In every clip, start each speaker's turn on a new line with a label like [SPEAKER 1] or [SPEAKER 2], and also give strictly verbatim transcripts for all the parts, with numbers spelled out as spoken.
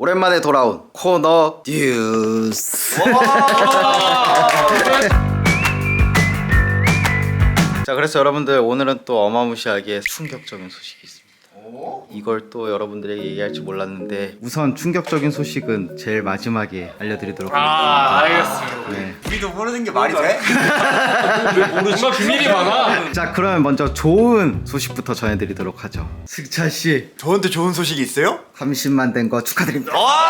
[SPEAKER 1] 오랜만에 돌아온 코너 뉴스. 자, 그래서 여러분들 오늘은 또 어마무시하게 충격적인 소식이 있습니다. 이걸 또 여러분들에게 얘기할지 몰랐는데 우선 충격적인 소식은 제일 마지막에 알려드리도록
[SPEAKER 2] 아,
[SPEAKER 1] 하겠습니다.
[SPEAKER 2] 알겠습니다.
[SPEAKER 1] 네.
[SPEAKER 3] 우리도 모르는 게 말이 돼?
[SPEAKER 2] 뭔가 비밀이 많아.
[SPEAKER 1] 자, 그러면 먼저 좋은 소식부터 전해드리도록 하죠. 승찬씨,
[SPEAKER 3] 저한테 좋은 소식이 있어요?
[SPEAKER 1] 삼십만 된 거 축하드립니다.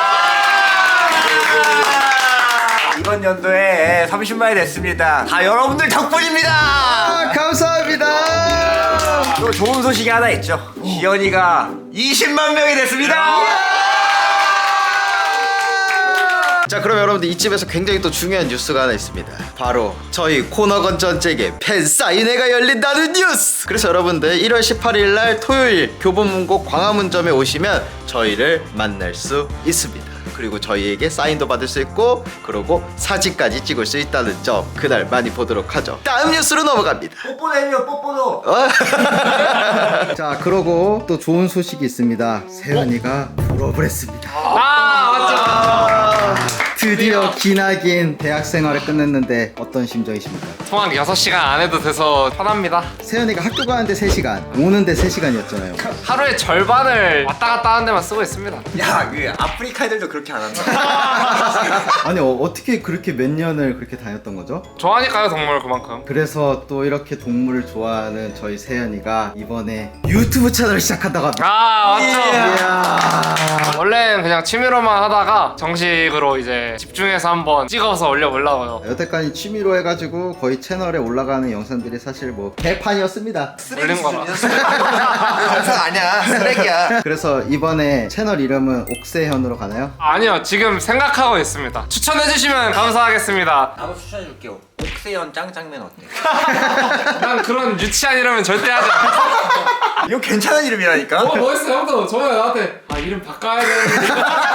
[SPEAKER 3] 이번 연도에 삼십만이 됐습니다. 다 여러분들 덕분입니다.
[SPEAKER 1] 아, 감사합니다.
[SPEAKER 3] 또 좋은 소식이 하나 있죠. 지연이가 이십만 명이 됐습니다.
[SPEAKER 1] 자, 그럼 여러분들 이쯤에서 굉장히 또 중요한 뉴스가 하나 있습니다. 바로 저희 코너건 전쟁의 팬사인회가 열린다는 뉴스! 그래서 여러분들 일월 십팔일 날 토요일 교보문고 광화문점에 오시면 저희를 만날 수 있습니다. 그리고 저희에게 사인도 받을 수 있고 그리고 사진까지 찍을 수 있다는 점, 그날 많이 보도록 하죠. 다음 뉴스로 넘어갑니다.
[SPEAKER 3] 뽀뽀도 해요, 뽀뽀도.
[SPEAKER 1] 자, 그러고 또 좋은 소식이 있습니다. 세연이가 졸업을 했습니다.
[SPEAKER 2] 아, 맞죠.
[SPEAKER 1] 드디어 기나긴 대학 생활을 끝냈는데 어떤 심정이십니까?
[SPEAKER 2] 통학 여섯 시간 안 해도 돼서 편합니다.
[SPEAKER 1] 세연이가 학교 가는데 세 시간, 오는데 세 시간이었잖아요.
[SPEAKER 2] 하루의 절반을 왔다 갔다 하는 데만 쓰고 있습니다.
[SPEAKER 3] 야, 그 아프리카 애들도 그렇게 안 한다.
[SPEAKER 1] 아니, 어, 어떻게 그렇게 몇 년을 그렇게 다녔던 거죠?
[SPEAKER 2] 좋아하니까요, 동물 그만큼.
[SPEAKER 1] 그래서 또 이렇게 동물을 좋아하는 저희 세연이가 이번에 유튜브 채널을 시작한다고 합니다.
[SPEAKER 2] 아, 맞죠.
[SPEAKER 1] 이야.
[SPEAKER 2] 원래는 그냥 취미로만 하다가 정식으로 이제 집중해서 한번 찍어서 올려보려고요.
[SPEAKER 1] 여태까지 취미로 해가지고 거의 채널에 올라가는 영상들이 사실 뭐 개판이었습니다.
[SPEAKER 2] 올린 거라.
[SPEAKER 3] 영상 아니야, 쓰레기야.
[SPEAKER 1] 그래서 이번에 채널 이름은 옥세현으로 가나요?
[SPEAKER 2] 아니요, 지금 생각하고 있습니다. 추천해주시면 감사하겠습니다.
[SPEAKER 3] 나도 추천해줄게요. 옥세현 짱짱맨 어때?
[SPEAKER 2] 난 그런 유치한 이름은 절대 하지 않아.
[SPEAKER 3] 이거 괜찮은 이름이라니까.
[SPEAKER 2] 어, 멋있어, 형도 저번에 나한테 아, 이름 바꿔야 되는데.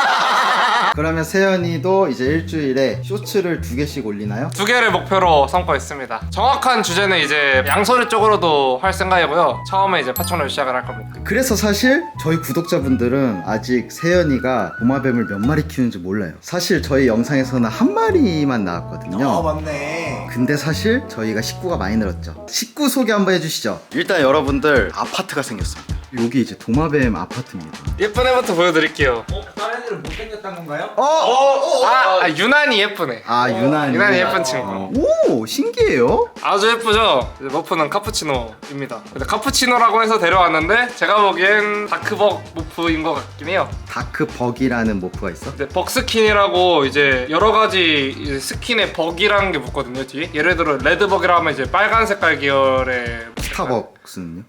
[SPEAKER 1] 그러면 세연이도 이제 일주일에 쇼츠를 두 개씩 올리나요?
[SPEAKER 2] 두 개를 목표로 삼고 있습니다. 정확한 주제는 이제 양소리 쪽으로도 할 생각이고요. 처음에 이제 파충류 시작을 할 겁니다.
[SPEAKER 1] 그래서 사실 저희 구독자분들은 아직 세연이가 도마뱀을 몇 마리 키우는지 몰라요. 사실 저희 영상에서는 한 마리만 나왔거든요.
[SPEAKER 3] 아, 맞네.
[SPEAKER 1] 근데 사실 저희가 식구가 많이 늘었죠. 식구 소개 한번 해주시죠. 일단 여러분들 아파트가 생겼습니다. 여기 이제 도마뱀 아파트입니다.
[SPEAKER 2] 예쁜 애부터 보여드릴게요.
[SPEAKER 3] 어? 다른 애들은 못생겼단 건가요?
[SPEAKER 1] 어? 어?
[SPEAKER 2] 아, 아 유난히 예쁜 애.
[SPEAKER 1] 아, 유난히.
[SPEAKER 2] 유난히 예쁜 친구.
[SPEAKER 1] 오, 신기해요.
[SPEAKER 2] 아주 예쁘죠? 이제 머프는 카푸치노입니다. 근데 카푸치노라고 해서 데려왔는데 제가 보기엔 다크벅 모프인 것 같긴 해요.
[SPEAKER 1] 다크벅이라는 모프가 있어?
[SPEAKER 2] 근데 벅스킨이라고 이제 여러 가지 이제 스킨에 벅이라는 게 붙거든요, 뒤에. 예를 들어 레드벅이라 하면 이제 빨간 색깔 계열의
[SPEAKER 1] 스타벅스는요?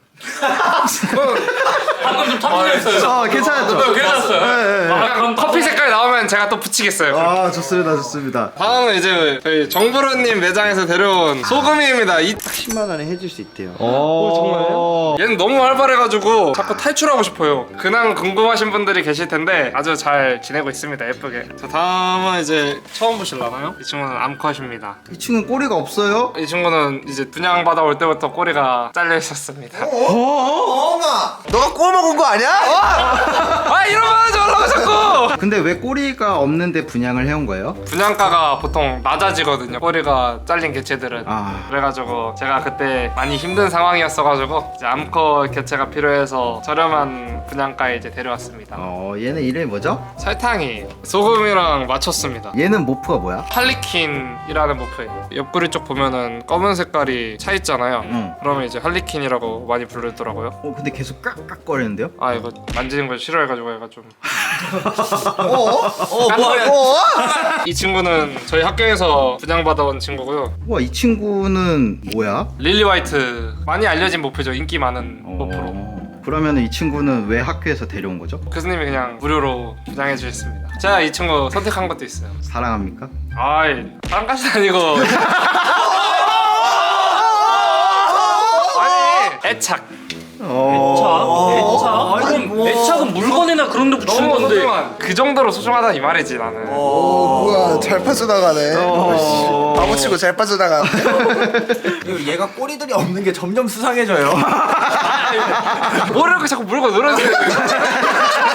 [SPEAKER 2] 방금 좀 터뜨렸어요.
[SPEAKER 1] 어, 괜찮았죠?
[SPEAKER 2] 네, 괜찮았어요.
[SPEAKER 1] 네, 네.
[SPEAKER 2] 아, 그럼 커피 색깔 나오면 제가 또 붙이겠어요.
[SPEAKER 1] 아, 좋습니다, 좋습니다.
[SPEAKER 2] 다음은 이제 저희 정부로님 매장에서 데려온 소금이입니다. 이...
[SPEAKER 1] 십만 원에 해줄 수 있대요.
[SPEAKER 2] 오, 정말요? 얘는 너무 활발해가지고 자꾸 탈출하고 싶어요. 근황 궁금하신 분들이 계실 텐데 아주 잘 지내고 있습니다. 예쁘게. 자, 다음은 이제 처음 보실라나요? 이 친구는 암컷입니다.
[SPEAKER 1] 이 친구는 꼬리가 없어요?
[SPEAKER 2] 이 친구는 이제 분양 받아올 때부터 꼬리가 잘려 있었습니다.
[SPEAKER 3] 어마! 너가 꼬 먹은 거 아니야?
[SPEAKER 2] 아, 이러면 하지 말라고 자꾸!
[SPEAKER 1] 근데 왜 꼬리가 없는데 분양을 해온 거예요?
[SPEAKER 2] 분양가가 보통 낮아지거든요. 꼬리가 잘린 개체들은.
[SPEAKER 1] 아,
[SPEAKER 2] 그래가지고 제가 그때 많이 힘든 상황이었어가지고 이제 암컷 개체가 필요해서 저렴한 분양가에 이제 데려왔습니다.
[SPEAKER 1] 어, 얘는 이름이 뭐죠?
[SPEAKER 2] 설탕이 소금이랑 맞췄습니다.
[SPEAKER 1] 얘는 모프가 뭐야?
[SPEAKER 2] 할리퀸이라는 모프예요. 옆구리 쪽 보면은 검은 색깔이 차 있잖아요.
[SPEAKER 1] 응.
[SPEAKER 2] 그러면 이제 할리퀸이라고 많이 부르더라고요.
[SPEAKER 1] 어, 근데 계속 깍깍거리는데요?
[SPEAKER 2] 아, 이거 만지는 걸 싫어해가지고 얘가 좀.
[SPEAKER 3] 어? 어, 뭐야? 어?
[SPEAKER 2] 이 친구는 저희 학교에서 분양받아온 친구고요.
[SPEAKER 1] 우와, 이 친구는 뭐야?
[SPEAKER 2] 릴리 화이트, 많이 알려진 모프죠. 인기 많은 모프로.
[SPEAKER 1] 어, 그러면 이 친구는 왜 학교에서 데려온 거죠?
[SPEAKER 2] 교수님이 그냥 무료로 분양해 주셨습니다. 제가 이 친구 선택한 것도 있어요.
[SPEAKER 1] 사랑합니까?
[SPEAKER 2] 아이, 사람까지는 아니고. 아니, 애착.
[SPEAKER 1] 어...
[SPEAKER 4] 애착?
[SPEAKER 3] 아니, 뭐.
[SPEAKER 4] 애착은 물건이나 그런 데 붙이는
[SPEAKER 2] 너무
[SPEAKER 4] 건데.
[SPEAKER 2] 소중한. 그 정도로 소중하다 이 말이지 나는.
[SPEAKER 3] 어, 뭐야, 잘 빠져나가네.
[SPEAKER 1] 어...
[SPEAKER 3] 바보 치고 잘 빠져나가네. 그리고 얘가 꼬리들이 없는 게 점점 수상해져요.
[SPEAKER 2] 뭐를 이렇게 자꾸 물고 늘어지는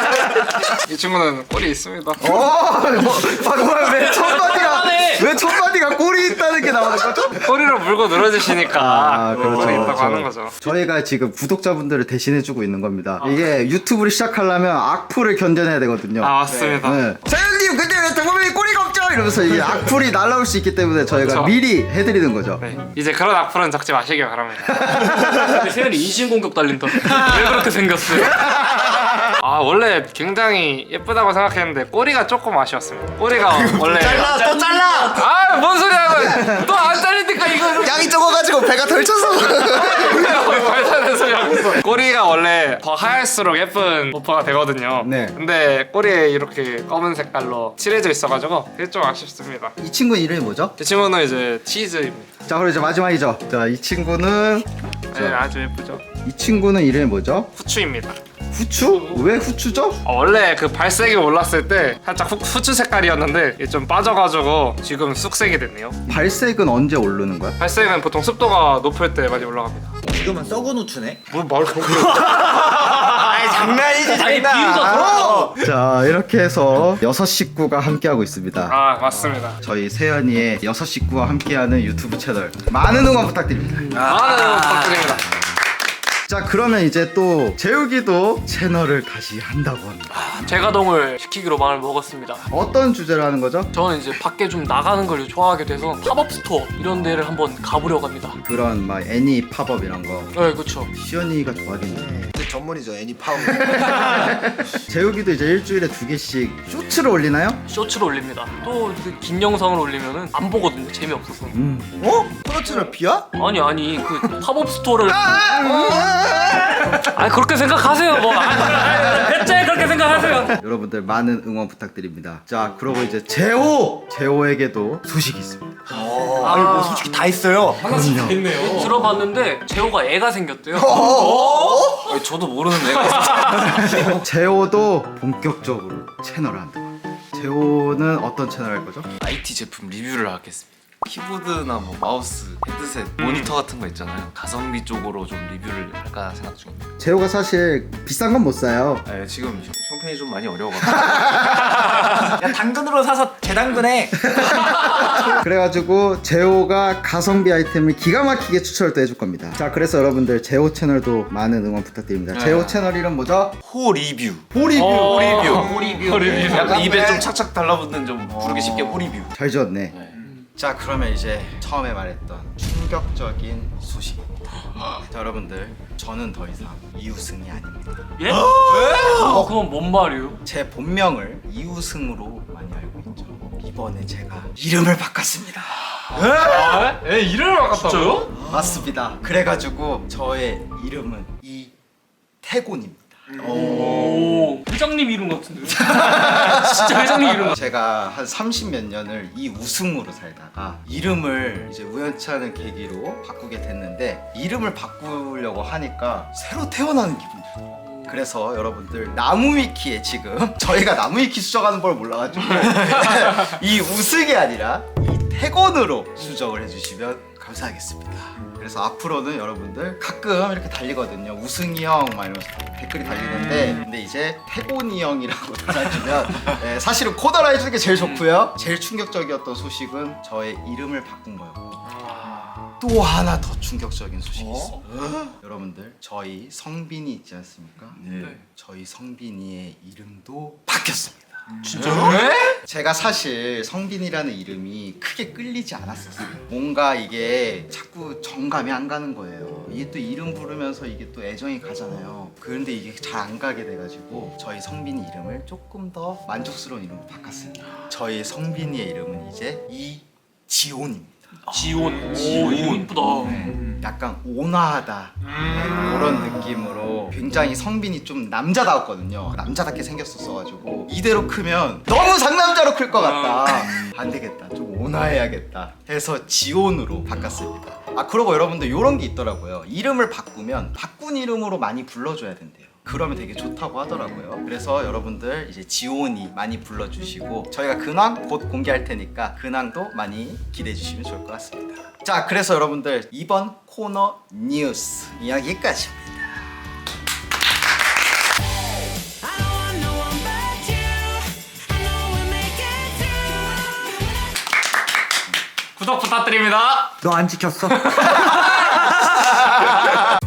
[SPEAKER 2] 이 친구는 꼴이 있습니다.
[SPEAKER 1] 어, 뭐, 아, 왜 첫마디가
[SPEAKER 4] 그만해.
[SPEAKER 1] 왜 첫마디가 꼴이 있다는 게 나오는 거죠?
[SPEAKER 2] 꼬리를 물고 늘어지시니까
[SPEAKER 1] 아, 그렇죠,
[SPEAKER 2] 꼴이 있다고
[SPEAKER 1] 그렇죠.
[SPEAKER 2] 하는 거죠.
[SPEAKER 1] 저희가 지금 구독자분들을 대신해주고 있는 겁니다. 이게 유튜브를 시작하려면 악플을 견뎌내야 되거든요.
[SPEAKER 2] 아 맞습니다.
[SPEAKER 1] 네. 사장님 근데 왜 동범이 꼬리가 없죠? 이러면서 이게 악플이 날라올 수 있기 때문에 저희가
[SPEAKER 2] 그렇죠.
[SPEAKER 1] 미리 해드리는 거죠.
[SPEAKER 2] 네. 이제 그런 악플은 적지 마시길 바랍니다.
[SPEAKER 4] 근데 세연이 인신공격 달린다. 왜 그렇게 생겼어요?
[SPEAKER 2] 아 원래 굉장히 예쁘다고 생각했는데 꼬리가 조금 아쉬웠습니다. 꼬리가 원래
[SPEAKER 3] 잘라 또 잘라.
[SPEAKER 2] 아뭔 소리 하고 또 안 잘리니까 이거
[SPEAKER 1] 양이 적어가지고 배가 덜쳐서.
[SPEAKER 2] 발산된 소리 하고 있어. 꼬리가 원래 더 하얄수록 예쁜 버퍼가 되거든요.
[SPEAKER 1] 네.
[SPEAKER 2] 근데 꼬리에 이렇게 검은 색깔로 칠해져 있어가지고 그게 좀 아쉽습니다.
[SPEAKER 1] 이 친구 이름이 뭐죠?
[SPEAKER 2] 이 친구는 이제 치즈입니다.
[SPEAKER 1] 자 그럼 이제 마지막이죠. 자 이 친구는
[SPEAKER 2] 네, 아주 예쁘죠.
[SPEAKER 1] 이 친구는 이름이 뭐죠?
[SPEAKER 2] 후추입니다.
[SPEAKER 1] 후추? 왜 후추죠?
[SPEAKER 2] 어, 원래 그 발색이 올랐을 때 살짝 후, 후추 색깔이었는데 이게 좀 빠져가지고 지금 쑥색이 됐네요.
[SPEAKER 1] 발색은 언제 오르는 거야?
[SPEAKER 2] 발색은 보통 습도가 높을 때 많이 올라갑니다.
[SPEAKER 3] 이거만 썩은 후추네.
[SPEAKER 2] 뭘 말을 그렇게
[SPEAKER 3] 아이 장난이지
[SPEAKER 4] 아니,
[SPEAKER 3] 장난.
[SPEAKER 4] 비유가 들어.
[SPEAKER 3] 어.
[SPEAKER 1] 자 이렇게 해서 여섯 식구가 함께하고 있습니다.
[SPEAKER 2] 아 맞습니다.
[SPEAKER 1] 저희 세연이의 여섯 식구와 함께하는 유튜브 채널 많은 응원 부탁드립니다.
[SPEAKER 2] 많은 부탁드립니다.
[SPEAKER 1] 자 그러면 이제 또 재욱이도 채널을 다시 한다고 합니다.
[SPEAKER 4] 제가동을 시키기로 마음을 먹었습니다.
[SPEAKER 1] 어떤 주제로 하는 거죠?
[SPEAKER 4] 저는 이제 밖에 좀 나가는 걸 좋아하게 돼서 팝업 스토어 이런 데를 한번 가보려고 합니다.
[SPEAKER 1] 그런 막 애니 팝업 이런 거
[SPEAKER 4] 네, 그렇죠.
[SPEAKER 1] 시연이가 좋아하겠네.
[SPEAKER 3] 제 전문이죠 애니 파워.
[SPEAKER 1] 재욱이도 이제 일주일에 두 개씩 쇼츠를 올리나요?
[SPEAKER 4] 쇼츠를 올립니다. 또 긴 영상을 올리면은 안 보거든요. 재미없어서.
[SPEAKER 1] 음.
[SPEAKER 3] 어? 코너츠를 비야?
[SPEAKER 4] 아니 아니 그 팝업 스토어를 아니 그렇게 생각하세요 뭐. 아니, 대체 그렇게 생각하세요.
[SPEAKER 1] 여러분들 많은 응원 부탁드립니다. 자 그러고 이제 재호! 재호에게도 소식이 있습니다.
[SPEAKER 3] 아니 뭐 솔직히 다 있어요.
[SPEAKER 1] 그럼요.
[SPEAKER 4] 들어봤는데 재호가 애가 생겼대요. 아니, 저도 모르는 애가 있어요.
[SPEAKER 1] 재호도 본격적으로 채널을 한다고 합니다. 재호는 어떤 채널 할 거죠?
[SPEAKER 5] 아이티 제품 리뷰를 하겠습니다. 키보드나 뭐 마우스, 헤드셋, 모니터 같은 거 있잖아요. 가성비 쪽으로 좀 리뷰를 할까 생각 중입니다.
[SPEAKER 1] 재호가 사실 비싼 건 못 사요.
[SPEAKER 5] 네, 지금 형- 형편이 좀 많이 어려워가지고
[SPEAKER 3] 야 당근으로 사서 재당근해.
[SPEAKER 1] 그래가지고 재호가 가성비 아이템을 기가 막히게 추천을 또 해줄 겁니다. 자 그래서 여러분들 재호 채널도 많은 응원 부탁드립니다.
[SPEAKER 5] 네.
[SPEAKER 1] 재호 채널 이름 뭐죠?
[SPEAKER 5] 호 리뷰.
[SPEAKER 1] 호리뷰.
[SPEAKER 5] 호리뷰.
[SPEAKER 1] 호리뷰.
[SPEAKER 5] 약간 입에 좀 착착 달라붙는 좀 부르기 쉽게 호리뷰.
[SPEAKER 1] 잘 지었네.
[SPEAKER 5] 네.
[SPEAKER 1] 자 그러면 이제 처음에 말했던 충격적인 소식입니다. 자 여러분들 저는 더 이상 이우승이 아닙니다.
[SPEAKER 4] 예? 어, 그건 뭔 말이에요?
[SPEAKER 1] 제 본명을 이우승으로 많이 알고 있죠. 이번에 제가 이름을 바꿨습니다.
[SPEAKER 2] 에 이름을 바꿨다고요?
[SPEAKER 4] 진짜요?
[SPEAKER 1] 맞습니다. 그래가지고 저의 이름은 이태곤입니다.
[SPEAKER 4] 오, 회장님 이름 같은데요? 진짜 회장님 이름 같아.
[SPEAKER 1] 제가 한 삼십 몇 년을 이 우승으로 살다가 이름을 이제 우연치 않은 계기로 바꾸게 됐는데 이름을 바꾸려고 하니까 새로 태어나는 기분이 들어요. 그래서 여러분들 나무위키에 지금 저희가 나무위키 수정하는 걸 몰라가지고 이 우승이 아니라 이 태곤으로 수정을 해주시면 감사하겠습니다. 그래서 앞으로는 여러분들 가끔 이렇게 달리거든요. 우승이 형 막 이러면서 댓글이 달리는데 근데 이제 태곤이 형이라고 달아주면 네, 사실은 코너라 해주는 게 제일 좋고요. 제일 충격적이었던 소식은 저의 이름을 바꾼 거였고 또 하나 더 충격적인 소식이 있어요. 여러분들 저희 성빈이 있지 않습니까?
[SPEAKER 5] 네.
[SPEAKER 1] 저희 성빈이의 이름도 바뀌었습니다.
[SPEAKER 4] 진짜요?
[SPEAKER 1] 제가 사실 성빈이라는 이름이 크게 끌리지 않았었어요. 뭔가 이게 자꾸 정감이 안 가는 거예요. 이게 또 이름 부르면서 이게 또 애정이 가잖아요. 그런데 이게 잘 안 가게 돼가지고 저희 성빈이 이름을 조금 더 만족스러운 이름으로 바꿨습니다. 저희 성빈이의 이름은 이제 이지온입니다.
[SPEAKER 4] 지온. 오, 이름 이쁘다.
[SPEAKER 1] 네, 약간 온화하다 네, 그런 느낌으로 굉장히 성빈이 좀 남자다웠거든요. 남자답게 생겼었어가지고 이대로 크면 너무 상남자로 클 것 같다. 안 되겠다, 좀 온화해야겠다 해서 지온으로 바꿨습니다. 아 그러고 여러분들 이런 게 있더라고요. 이름을 바꾸면 바꾼 이름으로 많이 불러줘야 된대요. 그러면 되게 좋다고 하더라고요. 그래서 여러분들 이제 지온이 많이 불러주시고 저희가 근황 곧 공개할 테니까 근황도 많이 기대해 주시면 좋을 것 같습니다. 자 그래서 여러분들 이번 코너 뉴스 여기까지입니다.
[SPEAKER 6] I don't want no one better.
[SPEAKER 4] 구독 부탁드립니다.
[SPEAKER 3] 너 안 지켰어?